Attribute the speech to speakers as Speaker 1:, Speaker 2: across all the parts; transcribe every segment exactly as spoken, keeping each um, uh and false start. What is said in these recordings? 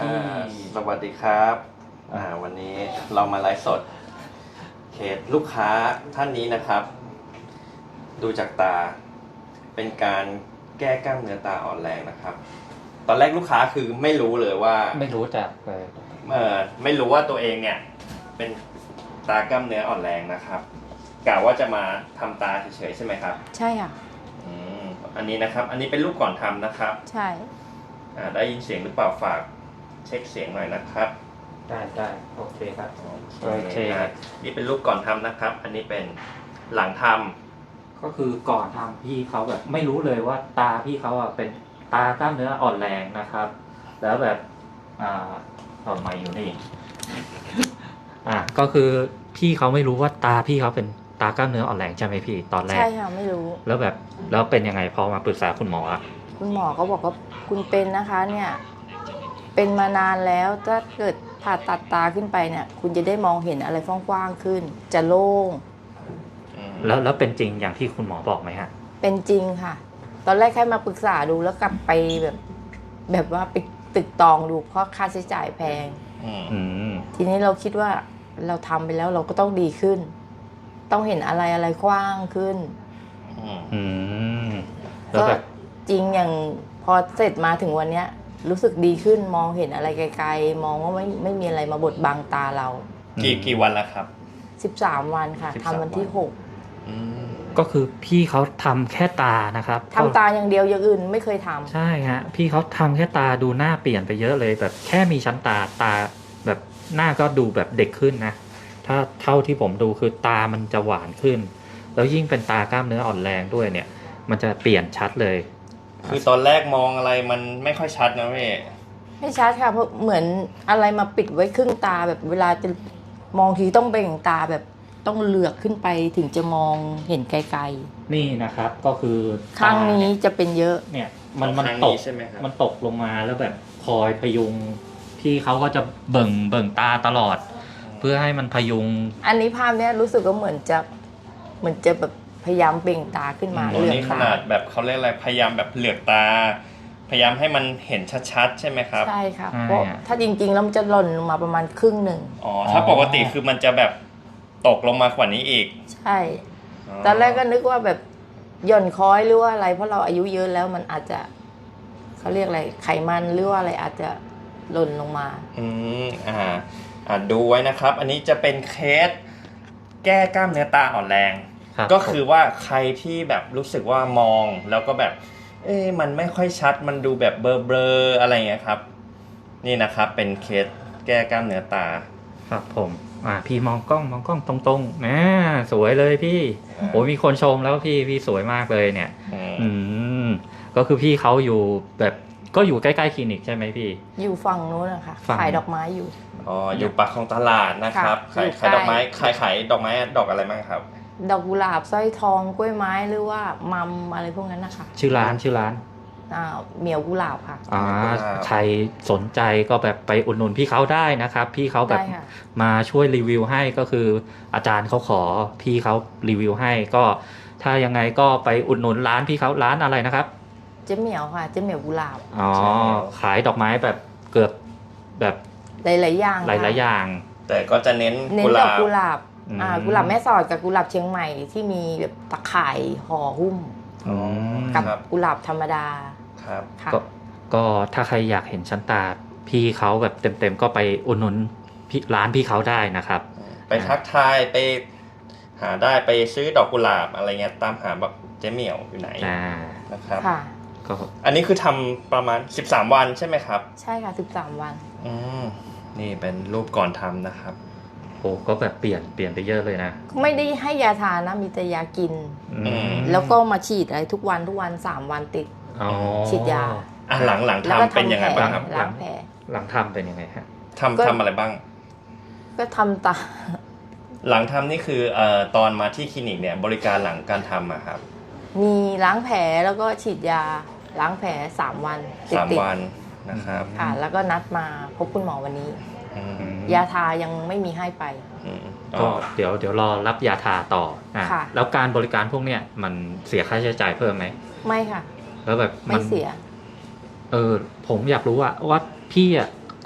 Speaker 1: สวัสดีครับอ่าวันนี้เรามาไลฟ์สดเคสลูกค้าท่านนี้นะครับ ดูจากตาเป็นการแก้กล้ามเนื้อตาอ่อนแรงนะครับ ตอนแรกลูกค้าคือไม่รู้เลยว่า
Speaker 2: ไม่รู้จักเลย
Speaker 1: เออไม่รู้ว่าตัวเองเนี่ยเป็นตากล้ามเนื้ออ่อนแรงนะครับกะว่าจะมาทำตาเฉยๆใช่ไหมครับ
Speaker 3: ใช่ค่ะ
Speaker 1: อืมอันนี้นะครับ อันนี้เป็นรูปก่อนทำนะครับ
Speaker 3: ใช่
Speaker 1: อ่าได้ยินเสียงหรือเปล่าฝากเช็คเสียงหน่อยนะครับ
Speaker 2: ได้ได้โอเคครับ
Speaker 1: โอเคนะนี่เป็นรูปก่อนทำนะครับ อันนี้เป็นหลังทำ
Speaker 2: ก็คือก่อนทำพี่เขาแบบไม่รู้เลยว่าตาพี่เขาอ่ะเป็นตากล้ามเนื้ออ่อนแรงนะครับ แล้วแบบอ่าต่อมาอยู่นี่ อ่าก็คือพี่เขาไม่รู้ว่าตาพี่เขาเป็นตากล้ามเนื้ออ่อนแรงใช่ไหมพี่ตอนแรก
Speaker 3: ใช่ค่ะไม่รู้
Speaker 2: แล้วแบบแล้วเป็นยังไงพอมาปรึกษาคุณหมออะ
Speaker 3: คุณหมอก็บอกว่าคุณเป็นนะคะเนี่ยเป็นมานานแล้วถ้าเกิดผ่าตัดตาขึ้นไปเนี่ยคุณจะได้มองเห็นอะไรกว้างๆขึ้น จะโล่ง
Speaker 2: แล้วแล้วเป็นจริงอย่างที่คุณหมอบอกไหมฮะ
Speaker 3: เป็นจริงค่ะ ตอนแรกแค่มาปรึกษาดูแล้วกลับไปแบบแบบว่าไปตึกตองดูเพราะค่าใช้จ่ายแพง
Speaker 2: อืม
Speaker 3: ทีนี้เราคิดว่าเราทำไปแล้วเราก็ต้องดีขึ้น ต้องเห็นอะไรอะไรกว้างขึ้น
Speaker 2: อืมแล้ว
Speaker 3: ก็
Speaker 2: แบบ
Speaker 3: จริงอย่างพอเสร็จมาถึงวันเนี้ยรู้สึกดีขึ้นมองเห็นอะไรไกลๆมองว่าไม่ไม่มีอะไรมาบดบังตาเรา
Speaker 1: กี่กี่วันแล้วครับ
Speaker 3: สิบสามวันค่ะ
Speaker 1: สิบสาม
Speaker 3: ทำวันที่
Speaker 1: วัน
Speaker 3: หก
Speaker 1: อืม
Speaker 2: ก็คือพี่เขาทำแค่ตานะครับ
Speaker 3: ทำตาอย่างเดียวอย่างอื่นไม่เคยทำ
Speaker 2: ใช่ฮะพี่เขาทำแค่ตาดูหน้าเปลี่ยนไปเยอะเลย แบบแค่มีชั้นตาตาแบบหน้าก็ดูแบบเด็กขึ้นนะถ้าเท่าที่ผมดูคือตามันจะหวานขึ้น แล้วยิ่งเป็นตากล้ามเนื้ออ่อนแรงด้วยเนี่ย มันจะเปลี่ยนชัดเลย
Speaker 1: คือตอนแรกมองอะไรมันไม่ค่อยชัดนะพี่
Speaker 3: ไม่ชัดค่ะเพราะเหมือนอะไรมาปิดไว้ครึ่งตาแบบเวลาจะมองทีต้องเบ่งตาแบบต้องเหลือกขึ้นไปถึงจะมองเห็นไกล
Speaker 2: นี่นะครับก็คือ
Speaker 3: ๆ ข้างนี้จะเป็นเยอะ
Speaker 2: เนี่ยมันมัน
Speaker 1: ข้าง
Speaker 2: ต
Speaker 1: นี้
Speaker 2: ก
Speaker 1: ใช่ไหมครับ
Speaker 2: มันตกลงมาแล้วแบบคอยพยุงพี่เขาก็จะเบิ่งเบิ่งตาตลอด เพื่อให้มันพยุง
Speaker 3: อันนี้ภาพเนี้ยรู้สึกว่าเหมือนจะเหมือนจะแบบพยายามเบ่งตาขึ้นมา
Speaker 2: อืม
Speaker 1: วัน
Speaker 3: เหลือก
Speaker 1: นี้ข
Speaker 3: ตา
Speaker 1: นาดแบบเขาเรียกอะไรพยายามแบบเหลือกตา พยายามให้มันเห็นชัดๆใช่ไหมครับ
Speaker 3: ใช่ค่ะ
Speaker 2: ใช่
Speaker 3: เพราะ
Speaker 2: อะ
Speaker 3: ถ้าจริงๆแล้วมันจะหล่นลงมาประมาณครึ่งหนึ่ง
Speaker 1: อ๋อ ถ้าปกติคือมันจะแบบตกลงมากว่านี้อีก
Speaker 3: ใช่ ตอนแรกก็นึกว่าแบบหย่อนคล้อยหรือว่าอะไร เพราะเราอายุเยอะแล้วมันอาจจะเขาเรียกอะไรไขมันหรือว่าอะไรอาจจะหล่นลงมา
Speaker 1: อืมอ่าอ่าดูไว้นะครับ อันนี้จะเป็นเคสแก้กล้ามเนื้อตาอ่อนแรง
Speaker 2: รับ
Speaker 1: ก็คือว่าใครที่แบบรู้สึกว่ามองแล้วก็แบบ เอ๊ะมันไม่ค่อยชัด มันดูแบบเบลอๆอะไรเงี้ยครับ นี่นะครับเป็นเคสแก้กล้ามเนื้อตา
Speaker 2: ครับผมอ่าพี่มองกล้องมองกล้องตรงๆนะสวยเลยพี่
Speaker 1: อ่า
Speaker 2: โอ้ยมีคนชมแล้วพี่พี่สวยมากเลยเนี่ย
Speaker 1: อืม
Speaker 2: อืมก็คือพี่เขาอยู่แบบก็อยู่ใกล้ๆคลินิกใช่ไหมพี่
Speaker 3: อยู่ฝั่งนู้นนะคะ
Speaker 2: ฝั่ง
Speaker 3: ขายดอกไม้อยู่
Speaker 1: อ๋ออยู่ปากของตลาดนะครับ
Speaker 3: ค่ะ
Speaker 1: ขาย
Speaker 3: อยู่
Speaker 1: ขายดอกไม้
Speaker 3: ใกล้
Speaker 1: ขายขายดอกไม้ดอกอะไรบ้างครับ
Speaker 3: ดอกกุหลาบสร้อยทองกล้วยไม้หรือว่ามัมอะไรพวกนั้นนะคะ
Speaker 2: ชื่อร้านชื่อร้าน
Speaker 3: อ่าเหมียวกุหลาบค่ะ
Speaker 2: อ่า
Speaker 1: ครับ
Speaker 2: ใครสนใจก็แบบไปอุดหนุนพี่เขาได้นะครับ พี่เขาแบบ
Speaker 3: ได้ค่ะ
Speaker 2: มาช่วยรีวิวให้ก็คืออาจารย์เขาขอพี่เขารีวิวให้ก็ถ้ายังไงก็ไปอุดหนุนร้านพี่เขาร้านอะไรนะครับ
Speaker 3: เจ๊เหมียวค่ะเจ๊เหมียวกุหลาบ
Speaker 2: อ๋อขายดอกไม้แบบเกือบแบบ
Speaker 3: หลายๆอย่าง
Speaker 2: หลายๆอย่าง
Speaker 1: แต่ก็จะเน้น
Speaker 3: เน้น
Speaker 1: กุห
Speaker 3: ด
Speaker 1: ลา
Speaker 3: อก
Speaker 1: บ
Speaker 3: กุหลาบ
Speaker 2: อืม
Speaker 3: อ่ากุหลาบแม่สอดกับกุหลาบเชียงใหม่ที่มีแบบตะข่ายห่อหุ้ม
Speaker 1: อ๋อ
Speaker 3: กับ
Speaker 1: ครับ
Speaker 3: กุหลาบธรรมดา
Speaker 1: ครับ
Speaker 3: ค่ะ
Speaker 2: ก็ก็ถ้าใครอยากเห็นชั้นตาพี่เขาแบบเต็มๆก็ไปอุดหนุนพี่ร้านพี่เขาได้นะครับ
Speaker 1: ไปทักทายไปหาได้ไปซื้อดอกกุหลาบอะไรเงี้ยตามหาแบบเจ๊เหมียวอยู่ไหน
Speaker 2: อ่า
Speaker 1: นะครับ
Speaker 3: ค่ะ
Speaker 2: ก็
Speaker 1: อันนี้คือทำประมาณสิบสามวันใช่ไหมครับ
Speaker 3: ใช่ค่ะสิบสามวัน
Speaker 1: อืมนี่เป็นรูปก่อนทำนะครับ
Speaker 2: โอ้ก็แบบเปลี่ยนเปลี่ยนไปเยอะเลยนะ
Speaker 3: ไม่ได้ให้ยาทานนะมีแต่ยากิน
Speaker 2: อืม
Speaker 3: แล้วก็มาฉีดอะไรทุกวันทุกวันสามวันติด
Speaker 2: อ๋อ
Speaker 3: ฉีดยา
Speaker 1: อ่ะหลังหลัง
Speaker 3: แล้วก็
Speaker 1: ทำเป็นยังไง
Speaker 3: แผล
Speaker 1: บ้างครับ
Speaker 3: ล้างแผล
Speaker 2: หลังทำเป็นยังไงฮะ
Speaker 1: ทำทำอะไรบ้าง
Speaker 3: ก็ทำตา
Speaker 1: หลังทำนี่คือเอ่อตอนมาที่คลินิกเนี่ยบริการหลังการทำอะครับ
Speaker 3: มีล้างแผลแล้วก็ฉีดยาล้างแผลสามวันติด
Speaker 1: สาม
Speaker 3: ติด
Speaker 1: วันนะครับ
Speaker 3: ค่ะ แล้วก็นัดมาพบคุณหมอวันนี้
Speaker 1: อืม
Speaker 3: ยาทายังไม่มีให้ไป
Speaker 1: อืม
Speaker 2: ก็เดี๋ยวเดี๋ยวรอรับยาทาต่ออ่ะ
Speaker 3: ค่ะ
Speaker 2: แล้วการบริการพวกเนี้ยมันเสียค่าใช้จ่ายเพิ่มไหม
Speaker 3: ไม่ค่ะ
Speaker 2: แล้วแบบ
Speaker 3: ไม่เสีย
Speaker 2: เออผมอยากรู้ว่าว่าพี่อ่ะ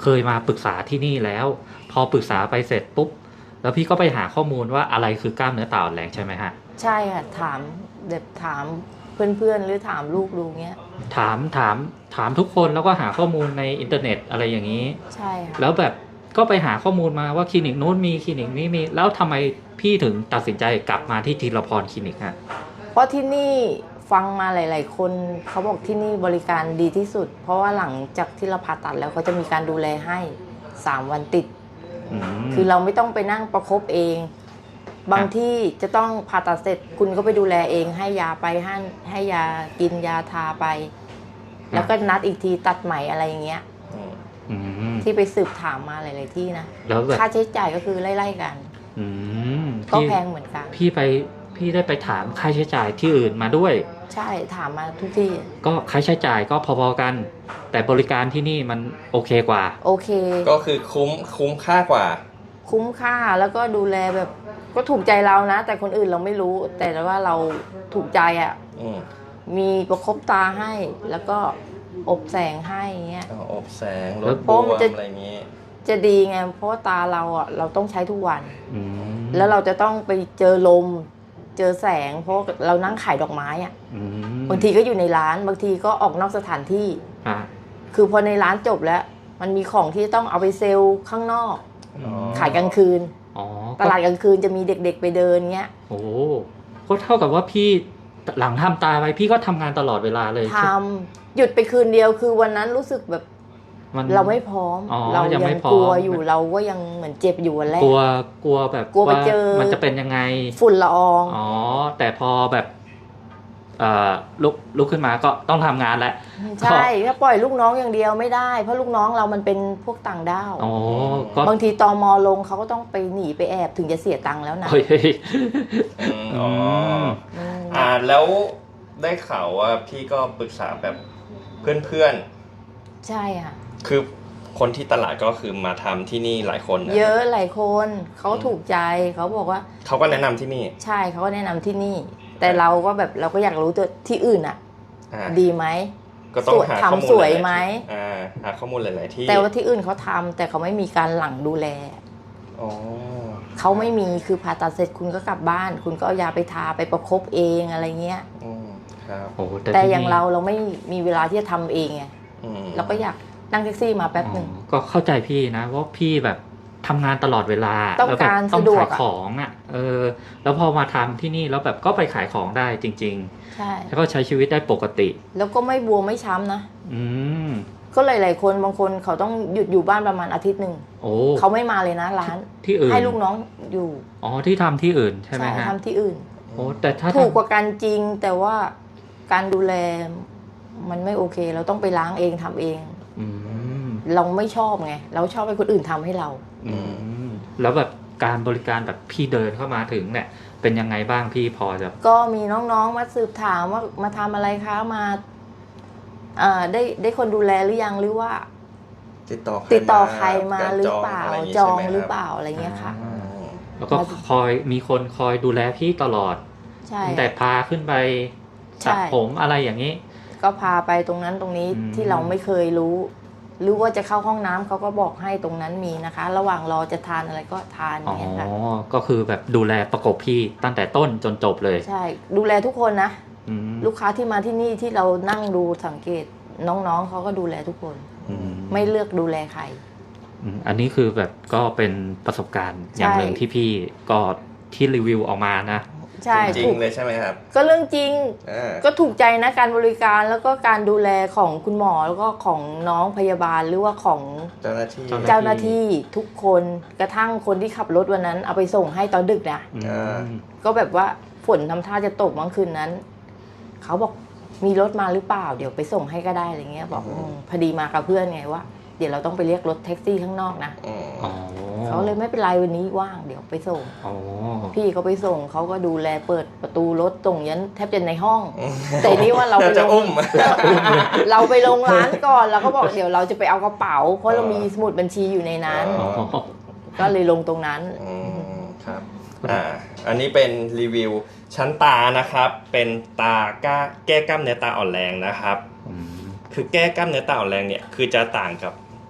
Speaker 2: เคยมาปรึกษาที่นี่แล้ว พอปรึกษาไปเสร็จปุ๊บแล้วพี่ก็ไปหาข้อมูลว่าอะไรคือกล้ามเนื้อตาอ่อนแรงใช่ไหมฮะ
Speaker 3: ใช่ค่ะถามแบบถามเพื่อนๆหรือถามลูกดูเงี้ย
Speaker 2: ถามถามถามทุกคนแล้วก็หาข้อมูลในอินเทอร์เน็ตอะไรอย่างนี้
Speaker 3: ใช่ค่ะ
Speaker 2: แล้วแบบก็ไปหาข้อมูลมาว่าคลินิกนู้นมีคลินิกนี้มีแล้วทำไมพี่ถึงตัดสินใจกลับมาที่ธีรพรคลินิกฮะ
Speaker 3: เพราะที่นี่ฟังมาหลายๆคนเขาบอกที่นี่บริการดีที่สุดเพราะว่าหลังจากที่เราผ่าตัดแล้วเขาจะมีการดูแลให้สามวันติดคือเราไม่ต้องไปนั่งประคบเองบางที่จะต้องผ่าตัดเสร็จคุณก็ไปดูแลเองให้ยาไปให้ให้ยากินยาทาไปแล้วก็นัดอีกทีตัดใหม่อะไรอย่างเงี้ยที่ไปสืบถามมาหลายๆที่นะค่าใช้จ่ายก็คือไล่ๆกันก็แพงเหมือนกัน
Speaker 2: พี่ไปพี่ได้ไปถามค่าใช้จ่ายที่อื่นมาด้วย
Speaker 3: ใช่ถามมาทุกที่
Speaker 2: ก็ค่าใช้จ่ายก็พอๆกันแต่บริการที่นี่มันโอเคกว่า
Speaker 3: โอเค
Speaker 1: ก็คือคุ้มคุ้มค่ากว่า
Speaker 3: คุ้มค่าแล้วก็ดูแลแบบก็ถูกใจเรานะแต่คนอื่นเราไม่รู้แต่ว่าเราถูกใจอ่ะมีประคบตาให้แล้วก็อบแสงให้เงี้ย
Speaker 1: อบแสงลดบวมอะไรเงี้ย
Speaker 3: จะดีไงเพราะว่าตาเราอ่ะเราต้องใช้ทุกวันแล้วเราจะต้องไปเจอลมเจอแสงเพราะเรานั่งขายดอกไม้อ่ะบางทีก็อยู่ในร้านบางทีก็ออกนอกสถานที่คือพอในร้านจบแล้วมันมีของที่ต้องเอาไปเซลล์ข้างนอกขายกลางคืนตลาดกลางคืนจะมีเด็กๆไปเดินเงี้ย
Speaker 2: โอ้ก็เท่ากับว่าพี่หลังทำตาไปพี่ก็ทำงานตลอดเวลาเลย
Speaker 3: ทำหยุดไปคืนเดียวคือวันนั้นรู้สึกแบบเราไม่พร้อมเรายังกลัวอยู่เราก็ยังเหมือนเจ็บอยู่วันแรก
Speaker 2: กลัวกลัวแบบ
Speaker 3: กลัวไปเจอ
Speaker 2: มันจะเป็นยังไง
Speaker 3: ฝุ่นละออง
Speaker 2: อ๋อแต่พอแบบลุกลุกขึ้นมาก็ต้องทำงานแล้ว
Speaker 3: ใช่ถ้าปล่อยลูกน้องอย่างเดียวไม่ได้เพราะลูกน้องเรามันเป็นพวกต่างด้าวบางทีตม.ลงเขาก็ต้องไปหนีไปแอบถึงจะเสียตังค์แล้วนะ
Speaker 1: อ๋ออ่าแล้วได้ข่าวว่าพี่ก็ปรึกษาแบบเพื่อน
Speaker 3: ๆใช่ค่ะ
Speaker 1: คือคนที่ตลาดก็คือมาทำที่นี่หลายคนนะ
Speaker 3: เยอะหลายคนเขาถูกใจเขาบอกว่า
Speaker 1: เขาก็แนะนำที่นี่
Speaker 3: ใช่เขาก็แนะนำที่นี่แต่เราก็แบบเราก็อยากรู้ตัวที่อื่นอ่ะดีไหม
Speaker 1: ก็ต้องหาข้อมูล
Speaker 3: ทำสวยไหม
Speaker 1: หาข้อมูลหลายๆที่
Speaker 3: แต่ว่าที่อื่นเขาทำแต่เขาไม่มีการหลังดูแลเขาไม่มีคือผ่าตัดเสร็จคุณก็กลับบ้านคุณก็เอายาไปทาไปประคบเองอะไรเงี้ยแต่อย่างเราเราไม่มีเวลาที่จะทำเองไงเราก็อยากนั่งแท็กซี่มาแป๊บหนึ่ง
Speaker 2: ก็เข้าใจพี่นะว่าพี่แบบทำงานตลอดเวลา
Speaker 3: ต้องการสะดวก
Speaker 2: ขายของอ่ะเออแล้วพอมาทำที่นี่แล้วแบบก็ไปขายของได้จริงๆใช่แล้วก็ใช้ชีวิตได้ปกติ
Speaker 3: แล้วก็ไม่บวมไม่ช้ำนะ
Speaker 2: อืม
Speaker 3: ก็หลายๆคนบางคนเขาต้องหยุดอยู่บ้านประมาณอาทิตย์หนึ่งโอ้เขาไม่มาเลยนะร้าน
Speaker 2: ที่อื่น
Speaker 3: ให้ลูกน้องอยู่
Speaker 2: อ๋อที่ทำที่อื่นใช่ไหมฮะ
Speaker 3: ใช่ทำที่อื่น
Speaker 2: โอ้แต่ถ้า
Speaker 3: ถูกกว่ากันจริงแต่ว่าการดูแลมันไม่โอเคเราต้องไปล้างเองทำเองเราไม่ชอบไงเราชอบให้คนอื่นทำให้เรา
Speaker 2: แล้วแบบการบริการแบบพี่เดินเข้ามาถึงเนี่ยเป็นยังไงบ้างพี่พอจะ
Speaker 3: ก็มีน้องๆมาสืบถามว่ามาทำอะไรคะมาอ่าได้ได้คนดูแลหรือยังหรือว่า
Speaker 1: ติดต่อ
Speaker 3: ติดต่อใครมาหรือเปล่าจองหรือเปล่าอะไรเงี้ยค่ะ
Speaker 2: แล้วก็คอยมีคนคอยดูแลพี่ตลอดใช่แต่พาขึ้นไปตัดผมอะไรอย่างนี้
Speaker 3: ก็พาไปตรงนั้นตรงนี้ที่เราไม่เคยรู้หรือว่าจะเข้าห้องน้ำเขาก็บอกให้ตรงนั้นมีนะคะระหว่างรอจะทานอะไรก็ทานอย่างเงี้ยค่ะ
Speaker 2: อ๋อก็คือแบบดูแลประกบพี่ตั้งแต่ต้นจนจบเลย
Speaker 3: ใช่ดูแลทุกคนนะลูกค้าที่มาที่นี่ที่เรานั่งดูสังเกตน้องๆเขาก็ดูแลทุกคนไม่เลือกดูแลใคร
Speaker 2: อันนี้คือแบบก็เป็นประสบการณ์อย่างหนึ่งที่พี่ก็ที่รีวิวออกมานะ
Speaker 3: ใช่
Speaker 1: จริงเลยใช่ไหมครับ
Speaker 3: ก็เรื่องจริงก็ถูกใจนะการบริการแล้วก็การดูแลของคุณหมอแล้วก็ของน้องพยาบาลหรือว่าของ
Speaker 1: เจ้าหน้าที่
Speaker 3: เจ้าหน้าที่ทุกคนกระทั่งคนที่ขับรถวันนั้นเอาไปส่งให้ตอนดึกนะก็แบบว่าฝนทำท่าจะตกเมื่อคืนนั้นเขาบอกมีรถมาหรือเปล่าเดี๋ยวไปส่งให้ก็ได้อะไรเงี้ยบอกพอดีมากับเพื่อนไงว่าเดี๋ยวเราต้องไปเรียกรถแท็กซี่ข้างนอกนะเขาเลยไม่เป็นไรวันนี้ว่างเดี๋ยวไปส่งพี่เขาไปส่งเขาก็ดูแลเปิดประตูรถส่งยันแทบจะในห้องแต่นี้ว่าเราไปลงเราไปลงร้านก่อนแล้วก็บอกเดี๋ยวเราจะไปเอากระเป๋าเพราะเรามีสมุดบัญชีอยู่ในนั้นก็เลยลงตรงนั้น
Speaker 1: ครับอ่าอันนี้เป็นรีวิวชั้นตานะครับเป็นตาแก้กล้ามเนื้อตาอ่อนแรงนะครับคือแก้กล้ามเนื้อตาอ่อนแรงเนี่ยคือจะต่างกับ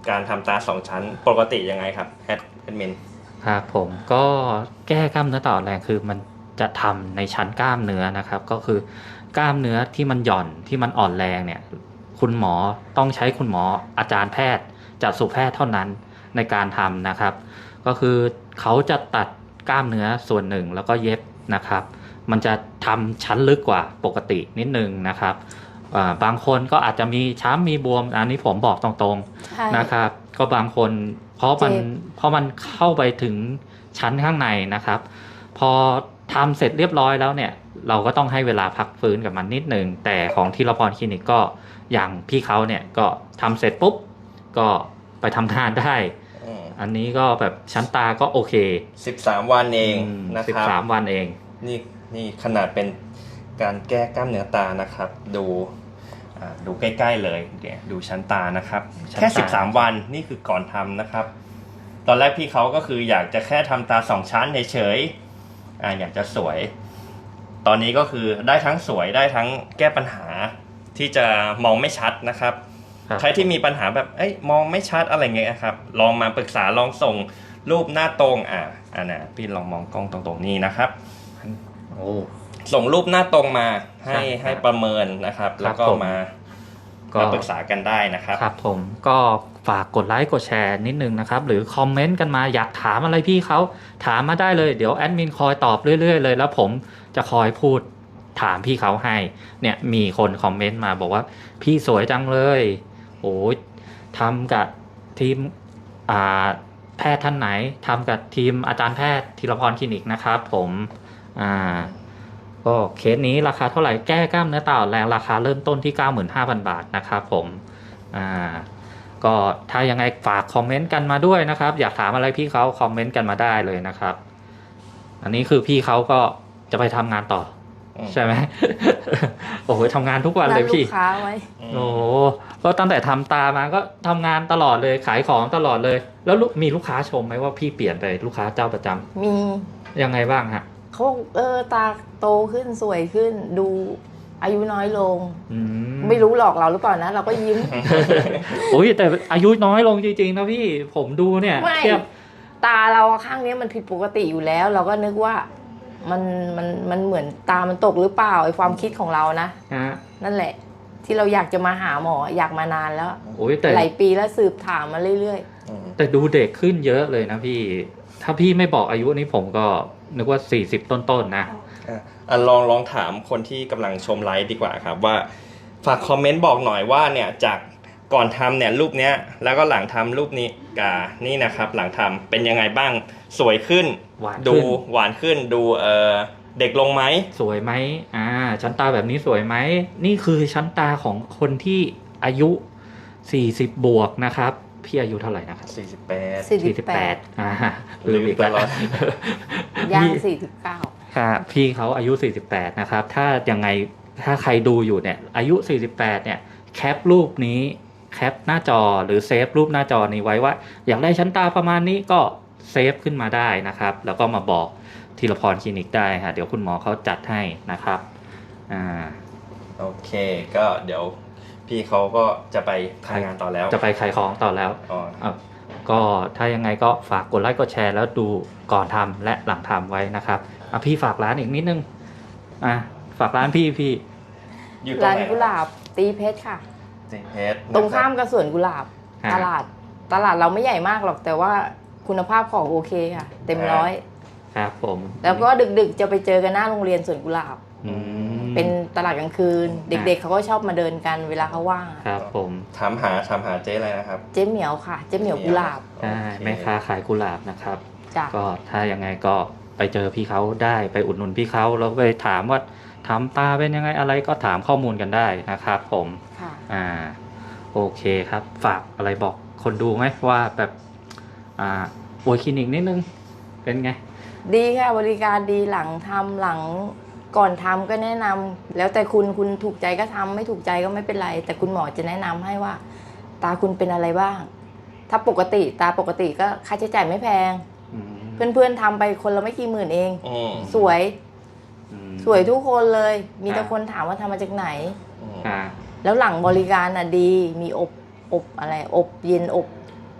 Speaker 1: การทำตาสองชั้นปกติยังไงครับแอดแอดมิน
Speaker 2: ครับผมก็แก้กล้ามเนื้อต่อแรงคือมันจะทำในชั้นกล้ามเนื้อนะครับ ก็คือกล้ามเนื้อที่มันหย่อนที่มันอ่อนแรงเนี่ยคุณหมอต้องใช้คุณหมออาจารย์แพทย์จักษุแพทย์เท่านั้นในการทำนะครับ ก็คือเขาจะตัดกล้ามเนื้อส่วนหนึ่งแล้วก็เย็บนะครับ มันจะทำชั้นลึกกว่าปกตินิดนึงนะครับอ่าบางคนก็อาจจะมีช้ำมีบวมอันนี้ผมบอกตรงๆ
Speaker 3: ใช่
Speaker 2: นะครับก็บางคนเพราะมัน
Speaker 3: เจ็บ
Speaker 2: เพราะมันเข้าไปถึงชั้นข้างในนะครับ พอทำเสร็จเรียบร้อยแล้วเนี่ยเราก็ต้องให้เวลาพักฟื้นกับมันนิดหนึ่งแต่ของทีละพรคลินิกก็อย่างพี่เขาเนี่ยก็ทำเสร็จปุ๊บก็ไปทำงานได้
Speaker 1: อืม
Speaker 2: อันนี้ก็แบบชั้นตาก็โอเค
Speaker 1: สิบสามวันเองนะ
Speaker 2: สิบ
Speaker 1: ครับ
Speaker 2: สามวันเอง
Speaker 1: นี่นี่ขนาดเป็นการแก้กล้ามเนื้อตานะครับ ดูอ่าดูใกล้ๆเลยเดี๋ยวดูชั้นตานะครับ
Speaker 2: ชั้น
Speaker 1: แค่
Speaker 2: ตา
Speaker 1: สิบสามวันนี่คือก่อนทำนะครับ ตอนแรกพี่เขาก็คืออยากจะแค่ทำตาสองชั้นเฉยๆอ่าอยากจะสวย ตอนนี้ก็คือได้ทั้งสวยได้ทั้งแก้ปัญหาที่จะมองไม่ชัดนะครับ
Speaker 2: ครับ
Speaker 1: ใครที่มีปัญหาแบบเอ้ยมองไม่ชัดอะไรเงี้ยครับลองมาปรึกษาลองส่งรูปหน้าตรงอ่าอันน่ะพี่ลองมองกล้องตรงๆนี่นะครับ
Speaker 2: โอ้
Speaker 1: ส่งรูปหน้าตรงมาให้
Speaker 2: ครับ
Speaker 1: ให้ประเมินนะครับ แล้วก็
Speaker 2: ผม
Speaker 1: มา
Speaker 2: ก็
Speaker 1: มาปรึกษากันได้นะครับ
Speaker 2: ครับผมก็ฝากกดไลค์กดแชร์นิดนึงนะครับ หรือคอมเมนต์กันมาอยากถามอะไรพี่เขาถามมาได้เลยเดี๋ยวแอดมินคอยตอบเรื่อยๆเลยแล้วผมจะคอยพูดถามพี่เขาให้เนี่ยมีคนคอมเมนต์มาบอกว่าพี่สวยจังเลยโอ้ยทำกับทีมอ่าแพทย์ท่านไหนทำกับทีมอาจารย์แพทย์ธีรพรคลินิกนะครับผมอ่าก็เคสนี้ราคาเท่าไหร่แก้กล้ามเนื้อตาอ่อนแรงราคาเริ่มต้นที่ เก้าหมื่นห้าพัน บาทนะครับผมอ่าก็ถ้ายังไงฝากคอมเมนต์กันมาด้วยนะครับ อยากถามอะไรพี่เขาคอมเมนต์กันมาได้เลยนะครับ อันนี้คือพี่เขาก็จะไปทำงานต่อ
Speaker 1: อืม
Speaker 2: ใช่ไหม โอ้โหทำงานทุกวันเลย
Speaker 3: นัด
Speaker 2: พี่
Speaker 3: ลูกค้าไว้
Speaker 1: อืม
Speaker 2: โอ้โหก็ตั้งแต่ทำตามาก็ทำงานตลอดเลยขายของตลอดเลย แล้วลูกมีลูกค้าชมไหมว่าพี่เปลี่ยนไปลูกค้าเจ้าประจำ
Speaker 3: มี
Speaker 2: ยังไงบ้างฮะ
Speaker 3: เขาบอกเออตาโตขึ้นสวยขึ้น ดูอายุน้อยลง
Speaker 2: อืม
Speaker 3: ไม่รู้หลอกเราหรือเปล่านะ เราก็ยิ้ม
Speaker 2: โอ้ยแต่อายุน้อยลงจริงๆนะพี่ผมดูเนี่ย
Speaker 3: ไม่
Speaker 2: เทียบ
Speaker 3: ตาเราอะข้างนี้มันผิดปกติอยู่แล้ว เราก็นึกว่ามันมันมันเหมือนตามันตกหรือเปล่าไอความคิดของเรานะ
Speaker 2: ฮะ
Speaker 3: นั่นแหละ ที่เราอยากจะมาหาหมออยากมานานแล้ว
Speaker 2: โอ้ยแต่
Speaker 3: หลายปีแล้วสืบถามมาเรื่อย
Speaker 1: อืม
Speaker 2: แต่ดูเด็กขึ้นเยอะเลยนะพี่ ถ้าพี่ไม่บอกอายุนี้ผมก็นึกว่าสี่สิบต้นๆนะ
Speaker 1: อ่ะอ่ะลองลองถามคนที่กำลังชมไลฟ์ดีกว่าครับว่าฝากคอมเมนต์บอกหน่อยว่าเนี่ยจากก่อนทำเนี่ยรูปเนี้ยแล้วก็หลังทำรูปนี้กานี่นะครับ หลังทำเป็นยังไงบ้างสวยขึ้น
Speaker 2: หวาน
Speaker 1: ดู
Speaker 2: ขึ้น
Speaker 1: หวานขึ้นดูเออเด็กลงไหม
Speaker 2: สวยไหมอ่า ชั้นตาแบบนี้สวยไหม นี่คือชั้นตาของคนที่อายุ สี่สิบ บวกนะครับ พี่อายุเท่าไหร่นะครับ
Speaker 1: สี่สิบแปด
Speaker 3: ๆสี่สิบแปด
Speaker 2: อ่าลืมอีกแล้ว
Speaker 1: ลืมตลอด
Speaker 3: ย่าง
Speaker 2: พี่
Speaker 3: สี่สิบเก้า
Speaker 2: ครับพี่เขาอายุ สี่สิบแปด นะครับ ถ้ายังไง ถ้าใครดูอยู่เนี่ย อายุ สี่สิบแปด เนี่ย แคปรูปนี้ แคปหน้าจอ หรือเซฟรูปหน้าจอนี้ไว้ว่า อยากได้ชั้นตาประมาณนี้ก็เซฟขึ้นมาได้นะครับ แล้วก็มาบอกธีรพรคลินิกได้ฮะเดี๋ยวคุณหมอเขาจัดให้นะครับ อ่า
Speaker 1: โอเคก็เดี๋ยวพี่เขาก็จะไปทำงานต่อแล้ว
Speaker 2: จะไปขายของต่อแล้ว
Speaker 1: อ๋อ
Speaker 2: อ่ะก็ถ้ายังไงก็ฝากกดไลค์กดแชร์แล้วดูก่อนทำและหลังทำไว้นะครับอ่ะพี่ฝากร้านอีกนิดนึงอ่ะฝากร้านพี่พี่
Speaker 1: อยู่ตรง
Speaker 3: ร้าน
Speaker 1: ไหน
Speaker 3: กุหลาบตีเพชรค่ะ
Speaker 1: เจเพช
Speaker 3: ตรงข้ามกับสวนกุหลาบ
Speaker 2: ฮะ
Speaker 3: ตลาด ตลาดเราไม่ใหญ่มากหรอกแต่ว่าคุณภาพของโอเคค่ะ เต็มร้อย
Speaker 2: ครับผม
Speaker 3: แล้วก็ดึกๆจะไปเจอกันหน้าโรงเรียนสวนกุหลาบ
Speaker 2: อืม
Speaker 3: เป็นตลาดกลางคืน เด็กๆเขาก็ชอบมาเดินกันเวลาเขาว่าง
Speaker 2: ครับผม
Speaker 1: ถามหาถามหาเจ๊อะไรนะครับ
Speaker 3: เจ๊เหมียวค่ะ เจ๊เหมียวกุหลาบ
Speaker 2: ใช่
Speaker 1: โอเค
Speaker 2: แม่ค้าขายกุหลาบนะครับ
Speaker 3: จ้ะ
Speaker 2: ก็ถ้ายังไงก็ไปเจอพี่เขาได้ไปอุดหนุนพี่เขาแล้วไปถามว่าทำตาเป็นยังไงอะไรก็ถามข้อมูลกันได้นะครับผม
Speaker 3: ค่ะ
Speaker 2: อ่าโอเคครับ ฝากอะไรบอกคนดูไหมว่าแบบอ่าอวยคลินิกนิดนึงเป็นไง
Speaker 3: ดีค่ะบริการดีหลังทำหลังก่อนทำก็แนะนำแล้วแต่คุณคุณถูกใจก็ทำไม่ถูกใจก็ไม่เป็นไร แต่คุณหมอจะแนะนำให้ว่า ตาคุณเป็นอะไรบ้าง ถ้าปกติตาปกติก็ค่าใช้จ่ายไม่แพง
Speaker 2: อืม
Speaker 3: เพื่อนๆทำไปคนละไม่กี่หมื่นเอง
Speaker 1: อืม
Speaker 3: สวย
Speaker 2: อืม
Speaker 3: สวยทุกคนเลย มีแต่
Speaker 2: อ่า
Speaker 3: คนถามว่าทำมาจากไหน
Speaker 1: อืม
Speaker 2: อ่า
Speaker 3: แล้วหลังบริการอ่ะดี มีอบอบอะไร อบเย็นอบ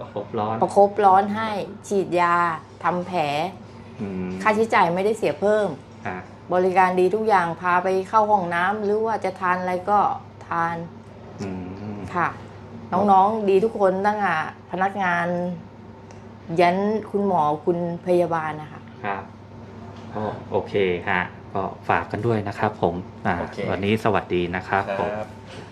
Speaker 2: ประคบร้อน
Speaker 3: ประคบร้อนให้ฉีดยาทำแผล
Speaker 2: อืม
Speaker 3: ค่าใช้จ่ายไม่ได้เสียเพิ่ม
Speaker 2: อ่ะ
Speaker 3: บริการดีทุกอย่างพาไปเข้าห้องน้ำหรือว่าจะทานอะไรก็ทาน
Speaker 2: อืม
Speaker 3: ค่ะ น้องๆดีทุกคนตั้งแต่พนักงาน ยันคุณหมอคุณพยาบาลนะคะ
Speaker 2: ครับก็โอเคฮะก็ฝากกันด้วยนะครับผมอ่า
Speaker 1: โอเค
Speaker 2: วันนี้สวัสดีนะครับ
Speaker 1: ค
Speaker 2: ผม
Speaker 1: รับ